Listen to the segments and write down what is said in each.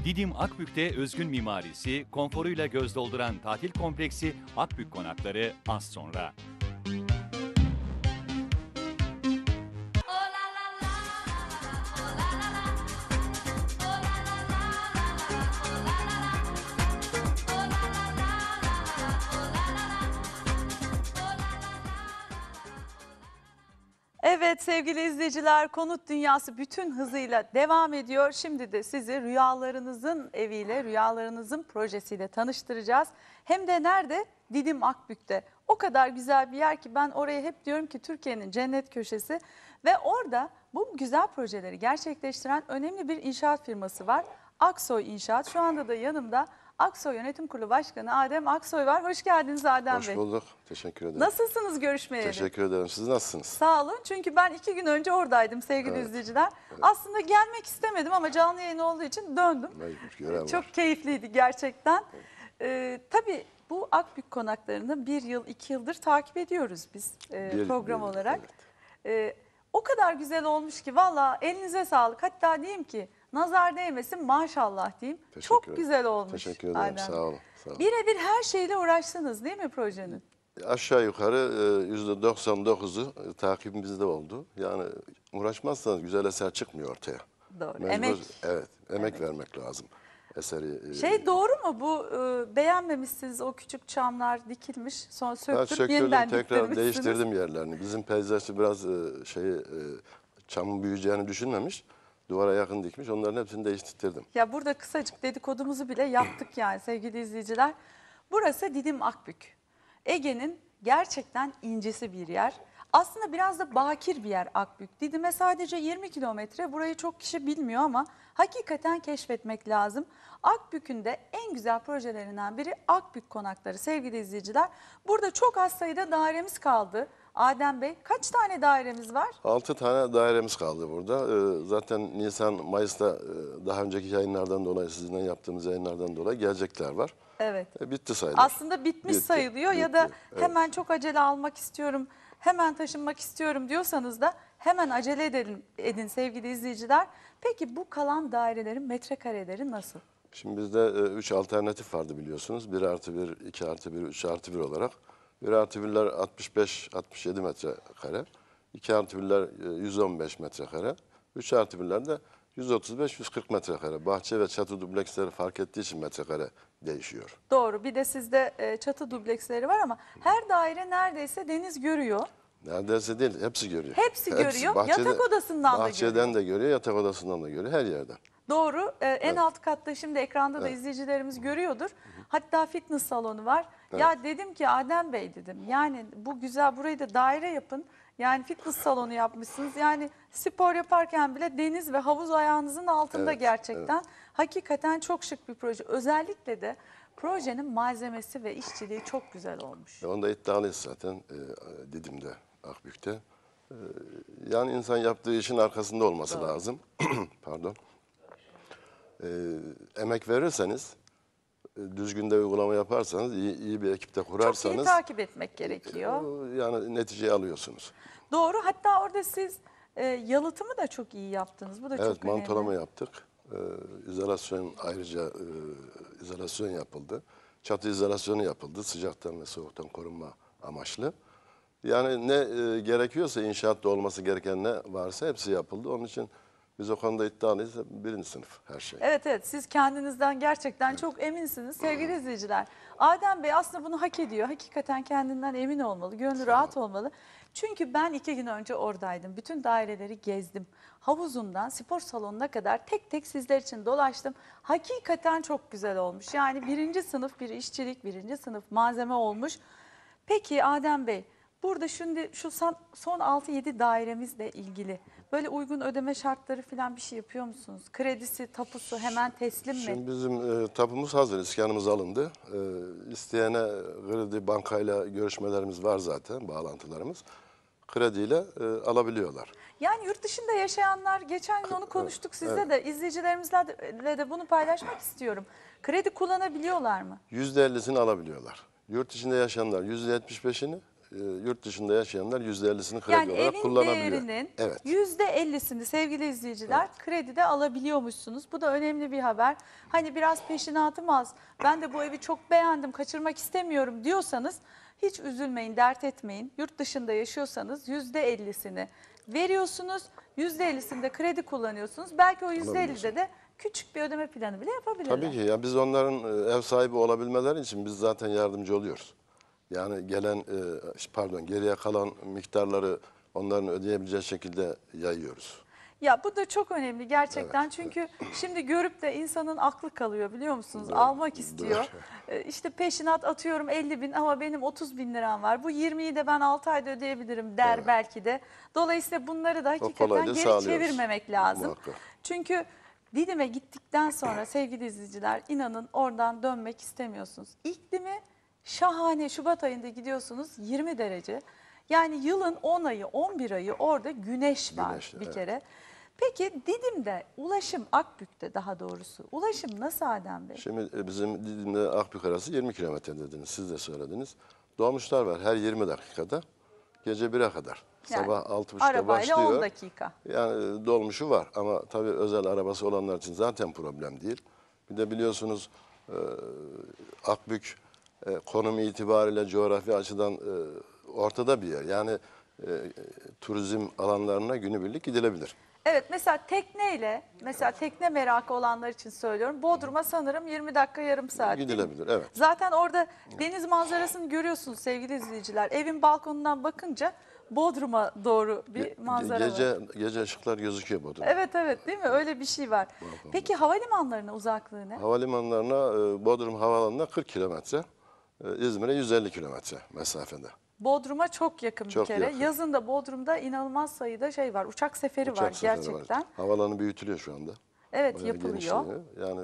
Didim Akbük'te özgün mimarisi, konforuyla göz dolduran tatil kompleksi Akbük Konakları az sonra. Evet sevgili izleyiciler, Konut Dünyası bütün hızıyla devam ediyor. Şimdi de sizi rüyalarınızın eviyle, rüyalarınızın projesiyle tanıştıracağız. Hem de nerede? Didim Akbük'te. O kadar güzel bir yer ki ben oraya hep diyorum ki Türkiye'nin cennet köşesi. Ve orada bu güzel projeleri gerçekleştiren önemli bir inşaat firması var. Aksoy İnşaat. Şu anda da yanımda Aksoy Yönetim Kurulu Başkanı Adem Aksoy var. Hoş geldiniz Adem Bey. Hoş bulduk. Teşekkür ederim. Nasılsınız görüşmeyeli? Teşekkür ederim. Siz nasılsınız? Sağ olun. Çünkü ben 2 gün önce oradaydım sevgili izleyiciler. Evet. Aslında gelmek istemedim ama canlı yayın olduğu için döndüm. Mecbur, görev var. Çok keyifliydi gerçekten. Tabii bu Akbük konaklarını 1 yıl, 2 yıldır takip ediyoruz biz program olarak. Evet. O kadar güzel olmuş ki valla elinize sağlık. Hatta diyeyim ki nazar değmesin maşallah diyeyim. Çok güzel olmuş. Teşekkür ederim. Adem. Sağ olun. Sağ olun. Birebir her şeyle uğraştınız değil mi projenin? Aşağı yukarı %99'u takibimizde oldu. Yani uğraşmazsanız güzel eser çıkmıyor ortaya. Doğru. Mecbur, Emek. Evet. Emek vermek lazım. Eseri. Doğru mu bu beğenmemişsiniz o küçük çamlar dikilmiş sonra söktürüp yeniden tekrar diktirmişsiniz. değiştirdim yerlerini. Bizim peyzajcı biraz çamın büyüyeceğini düşünmemiş. Duvara yakın dikmiş. Onların hepsini değiştirdim. Ya burada kısacık dedikodumuzu bile yaptık yani sevgili izleyiciler. Burası Didim Akbük. Ege'nin gerçekten incisi bir yer. Aslında biraz da bakir bir yer Akbük. Didim'e sadece 20 kilometre. Burayı çok kişi bilmiyor ama hakikaten keşfetmek lazım. Akbük'ün de en güzel projelerinden biri Akbük Konakları sevgili izleyiciler. Burada çok az sayıda dairemiz kaldı. Adem Bey kaç tane dairemiz var? 6 tane dairemiz kaldı burada. Zaten Nisan, Mayıs'ta daha önceki yayınlardan dolayı, sizinle yaptığımız yayınlardan dolayı gelecekler var. Evet. Bitti sayılır. Aslında bitmiş sayılıyor ya da hemen çok acele almak istiyorum, hemen taşınmak istiyorum diyorsanız da hemen acele edin sevgili izleyiciler. Peki bu kalan dairelerin metrekareleri nasıl? Şimdi bizde 3 alternatif vardı biliyorsunuz. 1+1, 2+1, 3+1 olarak. 1+1'ler 65-67 metrekare. 2+1'ler 115 metrekare. 3+1'ler de 135-140 metrekare. Bahçe ve çatı dubleksleri fark ettiği için metrekare değişiyor. Doğru. Bir de sizde çatı dubleksleri var ama her daire neredeyse deniz görüyor. Neredeyse değil, hepsi görüyor. Hepsi görüyor. Yatak odasından da görüyor. Bahçeden de görüyor, yatak odasından da görüyor, her yerden. Doğru. En alt katta şimdi ekranda da izleyicilerimiz görüyordur. Hatta fitness salonu var. Evet. Ya dedim ki Adem Bey dedim yani bu güzel burayı da daire yapın. Yani fitness salonu yapmışsınız. Yani spor yaparken bile deniz ve havuz ayağınızın altında gerçekten. Evet. Hakikaten çok şık bir proje. Özellikle de projenin malzemesi ve işçiliği çok güzel olmuş. Onda iddialıyız zaten Didim'de, Akbük'te. Yani insan yaptığı işin arkasında olması lazım. Pardon. Emek verirseniz, düzgün de uygulama yaparsanız, iyi bir ekipte kurarsanız... Çok iyi takip etmek gerekiyor. Yani neticeyi alıyorsunuz. Doğru. Hatta orada siz yalıtımı da çok iyi yaptınız. Bu da çok önemli. Evet, mantolama yaptık. İzolasyon ayrıca izolasyon yapıldı. Çatı izolasyonu yapıldı. Sıcaktan ve soğuktan korunma amaçlı. Yani ne gerekiyorsa inşaatta olması gereken ne varsa hepsi yapıldı. Onun için biz o konuda iddialıyız. 1. sınıf her şey. Evet siz kendinizden gerçekten çok eminsiniz sevgili izleyiciler. Adem Bey aslında bunu hak ediyor. Hakikaten kendinden emin olmalı, gönlü rahat olmalı. Çünkü ben 2 gün önce oradaydım. Bütün daireleri gezdim. Havuzundan spor salonuna kadar tek tek sizler için dolaştım. Hakikaten çok güzel olmuş. Yani 1. sınıf bir işçilik, 1. sınıf malzeme olmuş. Peki Adem Bey, burada şimdi şu son 6-7 dairemizle ilgili böyle uygun ödeme şartları falan bir şey yapıyor musunuz? Kredisi, tapusu hemen teslim mi? Şimdi bizim tapumuz hazır, iskanımız alındı. İsteyene kredi bankayla görüşmelerimiz var zaten, bağlantılarımız. Krediyle alabiliyorlar. Yani yurt dışında yaşayanlar, geçen gün onu konuştuk sizle de, izleyicilerimizle de bunu paylaşmak istiyorum. Kredi kullanabiliyorlar mı? %50'sini alabiliyorlar. Yurt içinde yaşayanlar %75'ini, yurt dışında yaşayanlar %50'sini kredi Yani olarak evin kullanabiliyor. değerinin Evet. %50'sini sevgili izleyiciler kredide alabiliyormuşsunuz. Bu da önemli bir haber. Hani biraz peşinatım az, ben de bu evi çok beğendim, kaçırmak istemiyorum diyorsanız hiç üzülmeyin, dert etmeyin. Yurt dışında yaşıyorsanız %50'sini veriyorsunuz, %50'sinde kredi kullanıyorsunuz. Belki o %50'de de küçük bir ödeme planı bile yapabilirler. Tabii ki ya, biz onların ev sahibi olabilmeleri için biz zaten yardımcı oluyoruz. Yani geriye kalan miktarları onların ödeyebileceği şekilde yayıyoruz. Ya bu da çok önemli gerçekten, çünkü şimdi görüp de insanın aklı kalıyor, biliyor musunuz? Almak istiyor. İşte peşinat atıyorum 50.000 ama benim 30.000 liram var. Bu 20'yi de ben 6 ayda ödeyebilirim der belki de. Dolayısıyla bunları da hakikaten kolaylığı geri sağlıyoruz. çevirmemek lazım. Muhakkak. Çünkü Didim'e gittikten sonra sevgili izleyiciler, inanın oradan dönmek istemiyorsunuz. İklimi şahane, Şubat ayında gidiyorsunuz 20 derece. Yani yılın 10 ayı 11 ayı orada güneş var Güneş, bir evet. kere. Peki Didim'de ulaşım, Akbük'te daha doğrusu ulaşım nasıl Adem Bey? Şimdi bizim Didim'de Akbük arası 20 kilometre dediniz, siz de söylediniz. Dolmuşlar var her 20 dakikada, gece 1'e kadar. Yani Sabah 6.30'da arabayla başlıyor. 10 dakika. Yani dolmuşu var ama tabii özel arabası olanlar için zaten problem değil. Bir de biliyorsunuz Akbük konum itibariyle coğrafi açıdan ortada bir yer. Yani turizm alanlarına günübirlik gidilebilir. Evet, mesela tekneyle, mesela tekne merakı olanlar için söylüyorum. Bodrum'a sanırım 20 dakika yarım saat değil mi? Gidilebilir, evet. Zaten orada deniz manzarasını görüyorsunuz sevgili izleyiciler. Evin balkonundan bakınca Bodrum'a doğru bir manzara var. Gece ışıklar gözüküyor Bodrum'da. Evet evet, değil mi? Öyle bir şey var. Peki havalimanlarına uzaklığı ne? Havalimanlarına, Bodrum Havaalanı'na 40 kilometre, İzmir'e 150 kilometre mesafede. Bodrum'a çok yakın bir Çok kere. yakın. Yazın da Bodrum'da inanılmaz sayıda şey var. Uçak seferi var Uçak seferi gerçekten. var. Havaalanı büyütülüyor şu anda. Evet, Bayağı yapılıyor. genişleniyor. Yani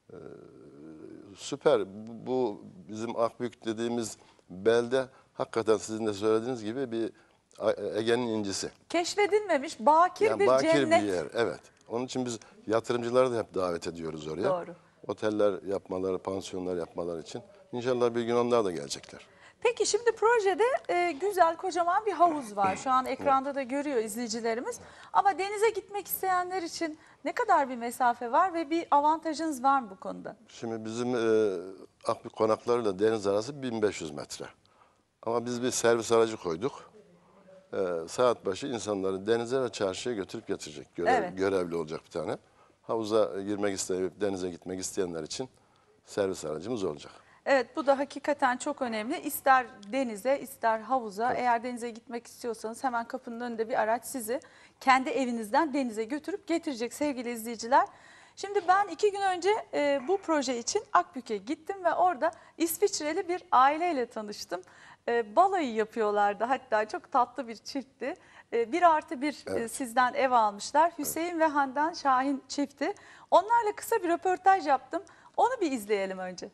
süper. Bu bizim Akbük dediğimiz belde hakikaten sizin de söylediğiniz gibi bir Ege'nin incisi. Keşfedilmemiş bakir Yani bir bakir cennet. bir yer. Evet. Onun için biz yatırımcıları da hep davet ediyoruz oraya. Doğru. Oteller yapmaları, pansiyonlar yapmaları için. İnşallah bir gün onlar da gelecekler. Peki şimdi projede güzel kocaman bir havuz var. Şu an ekranda da görüyor izleyicilerimiz. Ama denize gitmek isteyenler için ne kadar bir mesafe var ve bir avantajınız var mı bu konuda? Şimdi bizim Akbük konaklarıyla deniz arası 1500 metre. Ama biz bir servis aracı koyduk. Saat başı insanları denize ve çarşıya götürüp getirecek. Evet. Görevli olacak bir tane. Havuza girmek isteyip denize gitmek isteyenler için servis aracımız olacak. Evet, bu da hakikaten çok önemli. İster denize ister havuza, eğer denize gitmek istiyorsanız hemen kapının önünde bir araç sizi kendi evinizden denize götürüp getirecek sevgili izleyiciler. Şimdi ben 2 gün önce bu proje için Akbük'e gittim ve orada İsviçreli bir aileyle tanıştım. Balayı yapıyorlardı, hatta çok tatlı bir çiftti. 1+1 sizden ev almışlar. Hüseyin ve Handan Şahin çifti. Onlarla kısa bir röportaj yaptım. Onu bir izleyelim önce.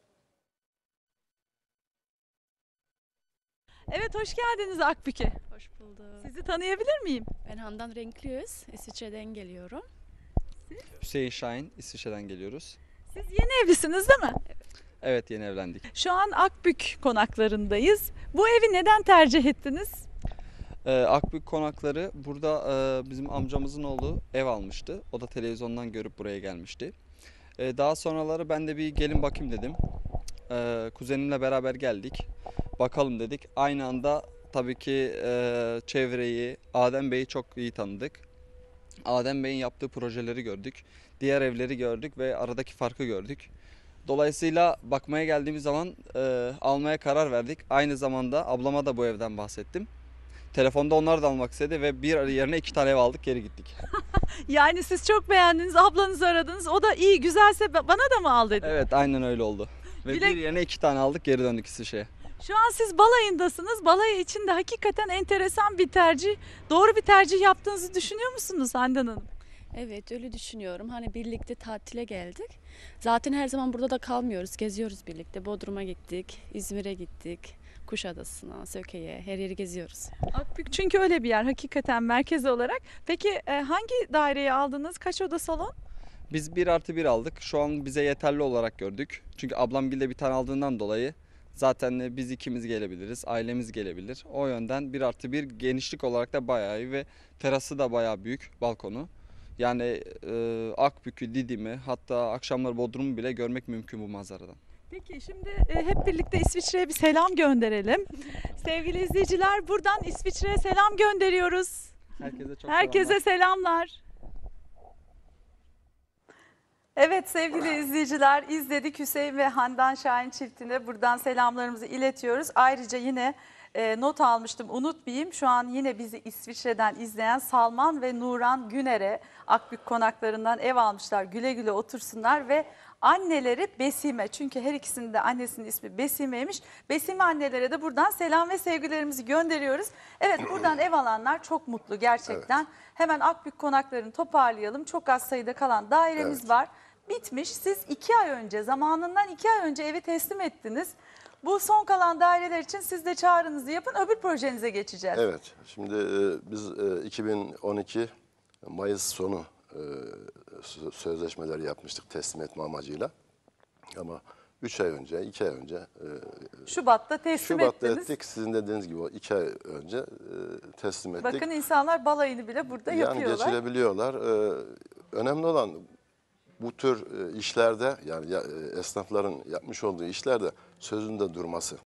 Evet, hoş geldiniz Akbük'e. Hoş bulduk. Sizi tanıyabilir miyim? Ben Handan Renkliyöz, İsviçre'den geliyorum. Hüseyin Şahin, İsviçre'den geliyoruz. Siz yeni evlisiniz değil mi? Evet, yeni evlendik. Şu an Akbük konaklarındayız. Bu evi neden tercih ettiniz? Akbük konakları burada bizim amcamızın oğlu ev almıştı. O da televizyondan görüp buraya gelmişti. Daha sonraları ben de bir gelin bakayım dedim. Kuzenimle beraber geldik. Bakalım dedik. Aynı anda tabii ki çevreyi, Adem Bey'i çok iyi tanıdık. Adem Bey'in yaptığı projeleri gördük. Diğer evleri gördük ve aradaki farkı gördük. Dolayısıyla bakmaya geldiğimiz zaman almaya karar verdik. Aynı zamanda ablama da bu evden bahsettim. Telefonda onlar da almak istedi ve bir yerine 2 tane ev aldık, geri gittik. Yani siz çok beğendiniz, ablanızı aradınız. O da iyi, güzelse bana da mı al dedi. Evet, aynen öyle oldu. Ve Dilek- bir yerine 2 tane aldık, geri döndük İsviçre'ye. Şu an siz balayındasınız. Balayı için de hakikaten enteresan bir tercih. Doğru bir tercih yaptığınızı düşünüyor musunuz Handan Hanım? Evet, öyle düşünüyorum. Hani birlikte tatile geldik. Zaten her zaman burada da kalmıyoruz, geziyoruz birlikte. Bodrum'a gittik, İzmir'e gittik, Kuşadası'na, Söke'ye, her yeri geziyoruz. Akbük çünkü öyle bir yer hakikaten merkez olarak. Peki hangi daireyi aldınız? Kaç oda salon? Biz 1+1 aldık. Şu an bize yeterli olarak gördük. Çünkü ablam bir de bir tane aldığından dolayı Zaten biz ikimiz gelebiliriz, ailemiz gelebilir. O yönden 1+1 genişlik olarak da bayağı iyi ve terası da bayağı büyük, balkonu. Yani Akbük'ü, Didim'i, hatta akşamları Bodrum'u bile görmek mümkün bu manzaradan. Peki şimdi hep birlikte İsviçre'ye bir selam gönderelim. Sevgili izleyiciler, buradan İsviçre'ye selam gönderiyoruz. Herkese selamlar. Evet sevgili izleyiciler, izledik Hüseyin ve Handan Şahin çiftine buradan selamlarımızı iletiyoruz. Ayrıca yine not almıştım, unutmayayım. Şu an yine bizi İsviçre'den izleyen Salman ve Nuran Güner'e Akbük konaklarından ev almışlar. Güle güle otursunlar ve anneleri Besime, çünkü her ikisinin de annesinin ismi Besime'ymiş. Besime annelere de buradan selam ve sevgilerimizi gönderiyoruz. Evet, buradan ev alanlar çok mutlu gerçekten. Evet. Hemen Akbük konaklarını toparlayalım. Çok az sayıda kalan dairemiz var. Bitmiş. Siz 2 ay önce, zamanından 2 ay önce evi teslim ettiniz. Bu son kalan daireler için siz de çağrınızı yapın, öbür projenize geçeceğiz. Evet, şimdi biz 2012 Mayıs sonu sözleşmeleri yapmıştık teslim etme amacıyla. Ama 3 ay önce, 2 ay önce Şubat'ta teslim Şubat'ta ettiniz. ettik. Sizin dediğiniz gibi o 2 ay önce teslim ettik. Bakın insanlar balayını bile burada yapıyorlar. Yani geçirebiliyorlar. Önemli olan bu tür işlerde, yani esnafların yapmış olduğu işlerde sözünde durması.